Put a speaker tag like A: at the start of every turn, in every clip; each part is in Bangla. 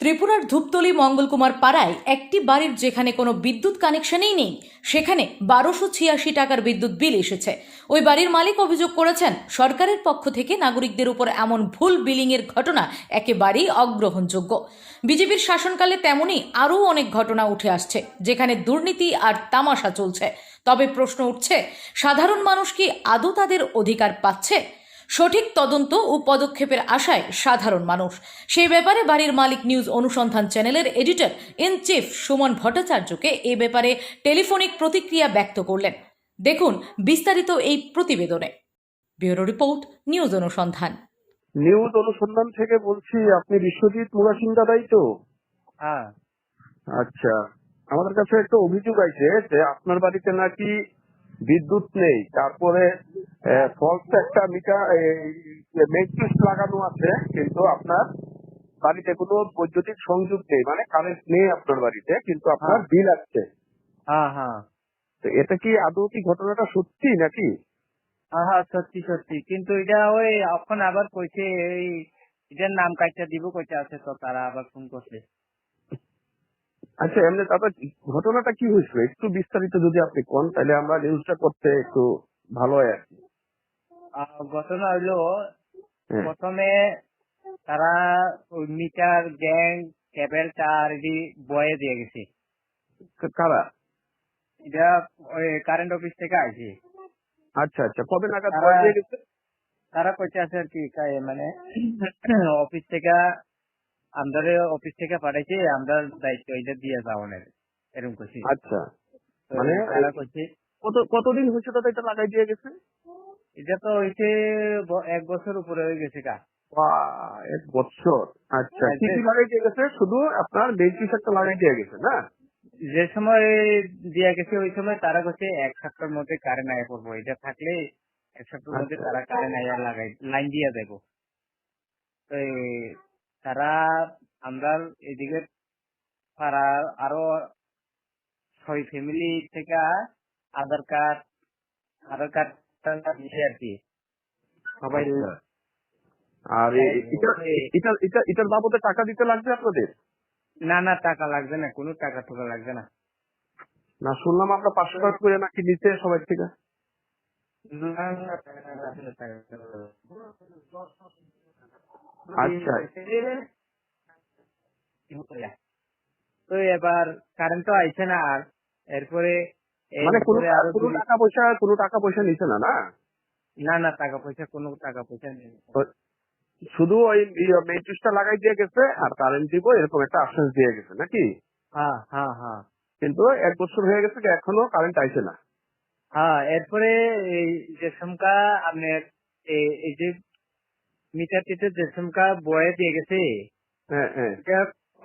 A: ত্রিপুরার ধূপতলি মঙ্গলকুমার পাড়ায় একটি বাড়ির যেখানে কোনো বিদ্যুৎ কানেকশনই নেই সেখানে 1286 টাকার বিদ্যুৎ বিল এসেছে। ওই বাড়ির মালিক অভিযোগ করেছেন সরকারের পক্ষ থেকে নাগরিকদের উপর এমন ভুল বিলিংয়ের ঘটনা একেবারেই অগ্রহণযোগ্য। বিজেপির শাসনকালে তেমনই আরও অনেক ঘটনা উঠে আসছে যেখানে দুর্নীতি আর তামাশা চলছে। তবে প্রশ্ন উঠছে, সাধারণ মানুষ কি আদৌ তাদের অধিকার পাচ্ছে? সঠিক তদন্ত ও পদক্ষেপের আশায় সাধারণ মানুষ। সেই ব্যাপারে বাড়ির মালিক নিউজ অনুসন্ধান চ্যানেলের এডিটর ইন চিফ সুমন ভট্টাচার্যকে এ ব্যাপারে টেলিফোনিক প্রতিক্রিয়া ব্যক্ত করলেন। দেখুন বিস্তারিত এই প্রতিবেদনে। Bureau report, news Anusandhan.
B: News Anusandhan থেকে বলছি, আপনি বিশ্বজিৎ মুরাসিং দাদাই তো?
C: হ্যাঁ।
B: আচ্ছা, আমাদের কাছে একটা অভিযোগ আছে যে আপনার বাড়িতে নাকি বিদ্যুৎ নেই, তারপরে ফলস একটা মিটার মেট্রিক্স লাগানো আছে, কিন্তু আপনার বাড়িতে কোনো বৈদ্যুতিক সংযোগ নেই, মানে কারেন্ট নেই আপনার বাড়িতে, কিন্তু আপনার বিল আসছে।
C: হ্যাঁ হ্যাঁ
B: তো এটা কি আদৌ কি ঘটনাটা সত্যি নাকি?
C: হ্যাঁ, সত্যি সত্যি, কিন্তু এটা ওই এখন আবার কইছে এই এটার নাম কাটটা দিব কইতে আছে, তো তারা আবার ফোন করছে।
B: আচ্ছা, এমনি দাদা ঘটনাটা কি হয়েছিল একটু বিস্তারিত যদি আপনি কোন, তাহলে আমরা নিউজটা করতে একটু ভালো হয় আর কি।
C: ঘটনা হইলো,
B: হ্যাঁ।
C: প্রথমে তারা ওই মিটার গ্যাং কেবল তার এটি বয়ে দিয়ে গেছে।
B: কারা?
C: এটা ওই কারেন্ট অফিস থেকে আইছে।
B: আচ্ছা আচ্ছা, কবে নাগাদ
C: তারা
B: বয় দিয়ে গেছে?
C: তারা কইতে আছে আর কি, মানে অফিস থেকে আমাদের অফিস থেকে পাঠাইছে, আমরা দায়িত্ব এটা দিয়ে যাওয়ানের, এরকম কইছি।
B: আচ্ছা,
C: তো
B: মানে
C: তারা কইছে
B: কতদিন হয়েছে দাদা এটা লাগাই দিয়ে গেছে?
C: এটা তো হইছে 1 বছর উপরে হয়ে গেছে কা।
B: বাহ, 1 বছর। আচ্ছা, কি কি লাগাই দিয়ে গেছে? শুধু আপনার বেঞ্চিস একটা লাগাই দিয়ে গেছে না?
C: যে সময় দিয়া গেছে ওই সময় তারা কইছে 1 সপ্তাহের মধ্যে কারেন্ট আয়া পড়বো, এটা থাকলে 1 সপ্তাহের মধ্যে
B: আচ্ছা
C: তারা কারেন্ট আয়া লাগাই লাইন দিয়া যাইবো। তো তারা আমরা এদিকে পাড়ার আরো 6 ফ্যামিলি থেকে আধার কার্ড দিছে আর কি সবাই।
B: আচ্ছা। আর এটার বাবদে টাকা দিতে লাগবে আপনাদের?
C: না না, টাকা লাগবে না, কোনো টাকা টোকা লাগবে না।
B: না, শুনলাম আমরা 500 টাকা করে নাকি নিতে সবাই থেকে।
C: না, না, টাকা লাগবে
B: আচ্ছা,
C: না। তো এবার কারেন্ট তো আইছে না, আর এরপরে
B: মানে
C: আরো
B: কোনো টাকা পয়সা নিছে না? না,
C: না না, কোনো টাকা পয়সা নেই।
B: তো শুধু ওই মেট্রিক্সটা লাগাই দিয়ে গেছে আর কারেন্ট দিব এরকম একটা আশ্বাস দিয়ে গেছে নাকি?
C: হ্যাঁ হ্যাঁ হ্যাঁ
B: কিন্তু 1 বছর হয়ে গেছে, এখনো কারেন্ট আইছে না।
C: হ্যাঁ, এরপরে এই যে সমকা আপনার এই যে মিটার টিটার যে সমকা বয়ে দিয়ে গেছে,
B: হ্যাঁ হ্যাঁ।
C: এটা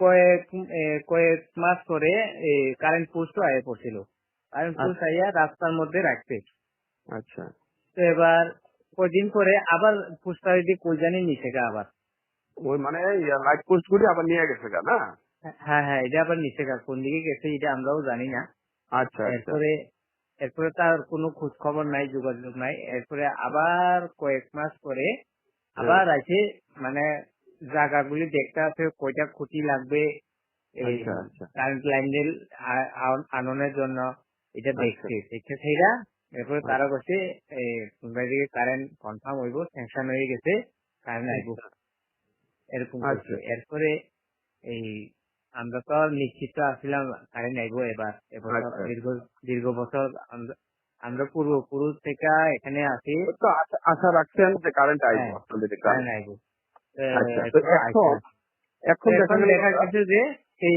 C: কয়েক মাস পরে কারেন্ট পোস্ট আয়ে পড়ছিল। কারেন্ট পোস্ট আইয়া রাস্তার মধ্যে রাখছে।
B: আচ্ছা,
C: তো এবার কদিন পরে আবার পোস্ট আইডি কই জানি নিচে গা আবার।
B: ওই মানে লাইট পোস্ট গুলি আবার নিয়ে গেছে গা না?
C: হ্যাঁ হ্যাঁ, এটা আবার নিচে গা, কোন দিকে গেছে এটা আমরাও জানি না।
B: আচ্ছা আচ্ছা।
C: এরপরে তার কোনো খোঁজ খবর নাই, যোগাযোগ নাই। এরপরে আবার কয়েক মাস পরে আবার আছে, মানে জায়গাগুলি দেখতে আছে কয়টা খুঁটি লাগবে এই
B: আচ্ছা আচ্ছা
C: কারেন্ট লাইন আননের জন্য, এটা
B: আচ্ছা
C: দেখছে সেইটা। এরপরে
B: আচ্ছা
C: তারা বলছে কোনটা দিকে কারেন্ট কনফার্ম হইব, স্যাংশন হয়ে গেছে, কারেন্ট আইব, এরকম করছে।
B: আচ্ছা
C: এরপরে এই আমরা তো নিশ্চিত আসছিলাম কারেন্ট আইব এবার এবছর,
B: আচ্ছা।
C: দীর্ঘ বছর আমরা পূর্বপুরুষ থেকে এখানে আছি।
B: তো আশা রাখছেন যে কারেন্ট আইব
C: হ্যাঁ,
B: আপনাদের
C: কারেন্ট আইব।
B: আচ্ছা, তো এখন দেখা গেল
C: দেখা গেছে যে এই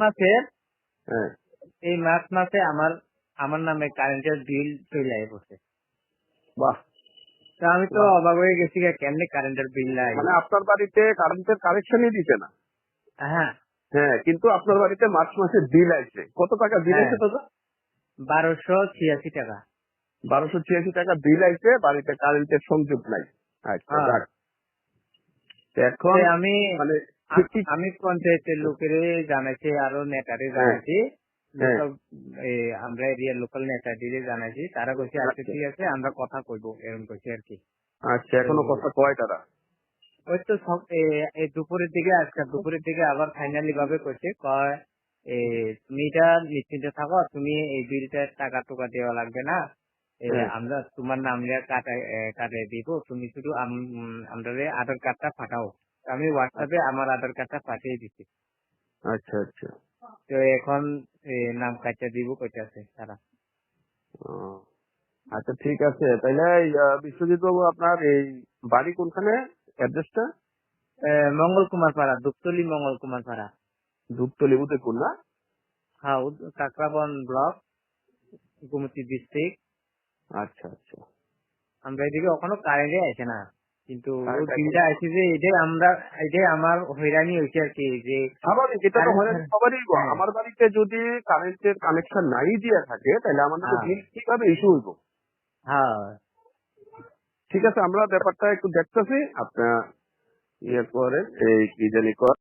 B: হ্যাঁ।
C: মার্চ মাসে আমার নামে কারেন্টের বিল চলে আয় পড়ছে।
B: বাহ,
C: তো আমি তো অবাক হয়ে গেছি, কেমনে কারেন্টের বিল নাই।
B: মানে আপনার বাড়িতে কারেন্টের কানেকশনই দিতে না?
C: হ্যাঁ
B: হ্যাঁ, কিন্তু আপনার বাড়িতে মার্চ মাসে বিল আসছে, কত টাকা বিল
C: হ্যাঁ,
B: আসছে দাদা?
C: 1286 টাকা।
B: 1286 টাকা বিল আসছে, বাড়িতে কারেন্টের সংযোগ নাই। আচ্ছা,
C: হ্যাঁ।
B: যাক। তো এখন
C: আমি
B: মানে
C: আমি পঞ্চায়েতের লোকের জানাইছি, আরো নেতারে
B: হ্যাঁ
C: জানাইছি,
B: হ্যাঁ।
C: আমরা এরিয়ার লোকাল নেতাদের জানাইছি। তারা কইছে আচ্ছা
B: আচ্ছা
C: ঠিক আছে, আমরা কথা কইবো, এরকম কইছে আর কি।
B: আচ্ছা, এখনো কথা কয় তারা?
C: ওই তো সব এই দুপুরের দিকে আজকে দুপুরের দিকে আবার ফাইনালি ভাবে করছে কয় তুমি এটা নিশ্চিন্তে থাকো, তুমি এই বিলটার টাকা টুকা দেওয়া লাগবে না,
B: হ্যাঁ।
C: আমরা তোমার নাম নিয়ে কাটাই দিব, তুমি শুধু আমাদের আধার কার্ডটা পাঠাও। তো আমি হোয়াটসঅ্যাপে আমার আধার কার্ডটা পাঠিয়ে দিচ্ছি।
B: আচ্ছা আচ্ছা।
C: তো এখন নাম কাটা দিব কইতাছে তারা।
B: ও, আচ্ছা ঠিক আছে, তাইলে বিশ্বজিৎ বাবু আপনার এই বাড়ি কোনখানে, অ্যাড্রেসটা?
C: মঙ্গল কুমার পাড়া, দুপতলি মঙ্গল কুমার পাড়া।
B: দুপতলি, উদয়পুর না?
C: হ্যাঁ, কাকরাবন ব্লক, গোমতী ডিস্ট্রিক্ট।
B: আচ্ছা আচ্ছা।
C: আমরা এদিকে ওখানে কারেন্টে আসে না, কিন্তু ওই
B: কারেন্ট
C: বিলটা আসে যে এটাই আমার হয়রানি হয়েছে আর কি, যে
B: স্বাভাবিক, এটা তো হয়রানি সবারই।
C: হ্যাঁ,
B: আমার বাড়িতে যদি কারেন্টের কানেকশন নাই দিয়ে থাকে তাহলে আমাদের
C: হ্যাঁ,
B: বিল কিভাবে ইস্যু হইব?
C: হ্যাঁ।
B: ঠিক আছে, আমরা ব্যাপারটা একটু দেখতেছি, আপনার ইয়ে করেন, এই কি জানি কর